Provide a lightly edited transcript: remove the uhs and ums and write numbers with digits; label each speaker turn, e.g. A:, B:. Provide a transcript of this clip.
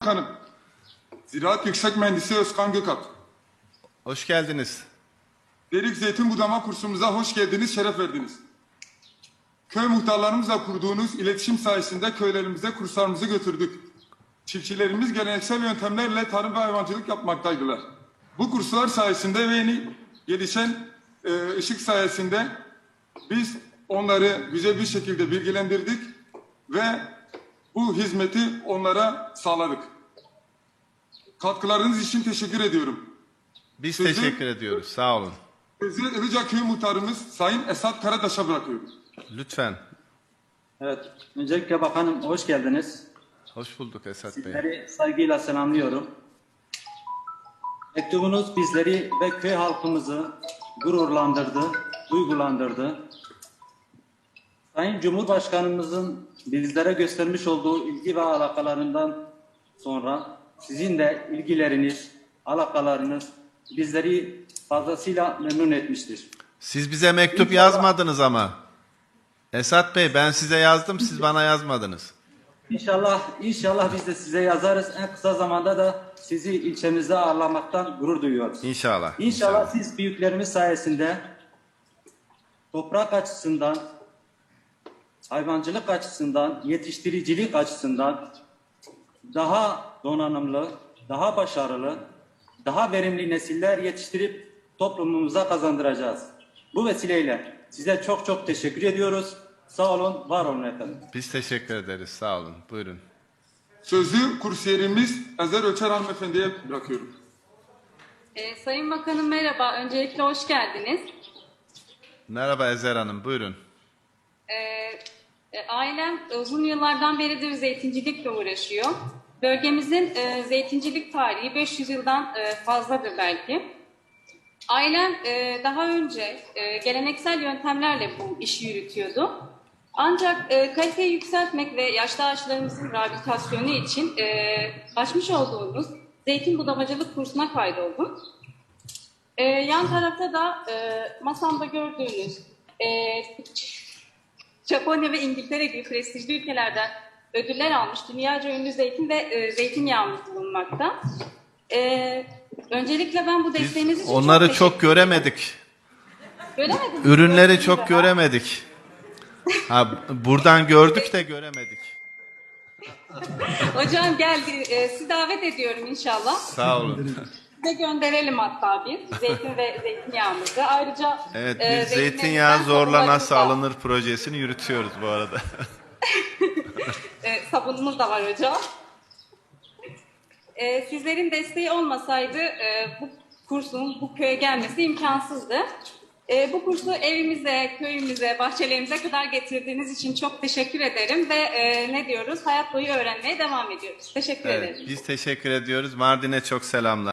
A: Hanım, Ziraat Yüksek Mühendisi Özkan Gökalp.
B: Hoş geldiniz.
A: Derik Zeytin Budama kursumuza hoş geldiniz, şeref verdiniz. Köy muhtarlarımızla kurduğunuz iletişim sayesinde köylerimize kurslarımızı götürdük. Çiftçilerimiz geleneksel yöntemlerle tarım ve hayvancılık yapmaktaydılar. Bu kurslar sayesinde ve yeni gelişen ışık sayesinde biz onları güzel bir şekilde bilgilendirdik ve bu hizmeti onlara sağladık. Katkılarınız için teşekkür ediyorum.
B: Biz teşekkür ediyoruz. Sağ olun.
A: Sözü Ilıca Köyü Muhtarımız Sayın Esat Karataş'a bırakıyorum.
B: Lütfen.
C: Evet, öncelikle bakanım hoş geldiniz.
B: Hoş bulduk Esat Bey.
C: Sizleri saygıyla selamlıyorum. Mektubunuz bizleri ve köy halkımızı gururlandırdı, duygulandırdı. Sayın Cumhurbaşkanımızın bizlere göstermiş olduğu ilgi ve alakalarından sonra sizin de ilgileriniz, alakalarınız bizleri fazlasıyla memnun etmiştir.
B: Siz bize mektup yazmadınız ama. Esat Bey, ben size yazdım, siz bana yazmadınız.
C: İnşallah biz de size yazarız. En kısa zamanda da sizi ilçemizde ağırlamaktan gurur duyuyoruz.
B: İnşallah.
C: İnşallah siz büyüklerimiz sayesinde toprak açısından, hayvancılık açısından, yetiştiricilik açısından daha donanımlı, daha başarılı, daha verimli nesiller yetiştirip toplumumuza kazandıracağız. Bu vesileyle size çok çok teşekkür ediyoruz. Sağ olun, var olun efendim.
B: Biz teşekkür ederiz. Sağ olun. Buyurun.
A: Sözü kursiyerimiz Ezer Öçer Hanımefendi'ye bırakıyorum.
D: Sayın Bakanım merhaba. Öncelikle hoş geldiniz.
B: Merhaba Ezer Hanım. Buyurun.
D: Ailem uzun yıllardan beridir zeytincilikle uğraşıyor. Bölgemizin zeytincilik tarihi 500 yıldan fazladır belki. Ailem daha önce geleneksel yöntemlerle bu işi yürütüyordu. Ancak kaliteyi yükseltmek ve yaşlı ağaçlarımızın rehabilitasyonu için açmış olduğumuz zeytin budamacılık kursuna kaydoldum. Yan tarafta da masamda gördüğünüz Japonya ve İngiltere gibi prestijli ülkelerden ödüller almış dünyaca ünlü zeytin ve zeytinyağımız bulunmakta. Öncelikle ben bu desteğiniz için
B: Onları çok göremedik.
D: Göremedim.
B: Ürünleri çok göremedik. Ha, buradan gördük de göremedik.
D: Hocam geldi. Sizi davet ediyorum inşallah.
B: Sağ olun.
D: Size gönderelim hatta biz zeytin ve zeytinyağımızı. Ayrıca
B: Evet, biz zeytinyağı zorla nasıl alınır projesini yürütüyoruz bu arada.
D: Sabunumuz da var hocam. Sizlerin desteği olmasaydı bu kursun bu köye gelmesi imkansızdı. Bu kursu evimize, köyümüze, bahçelerimize kadar getirdiğiniz için çok teşekkür ederim ve ne diyoruz? Hayat boyu öğrenmeye devam ediyoruz. Teşekkür ederim.
B: Biz teşekkür ediyoruz. Mardin'e çok selamlar.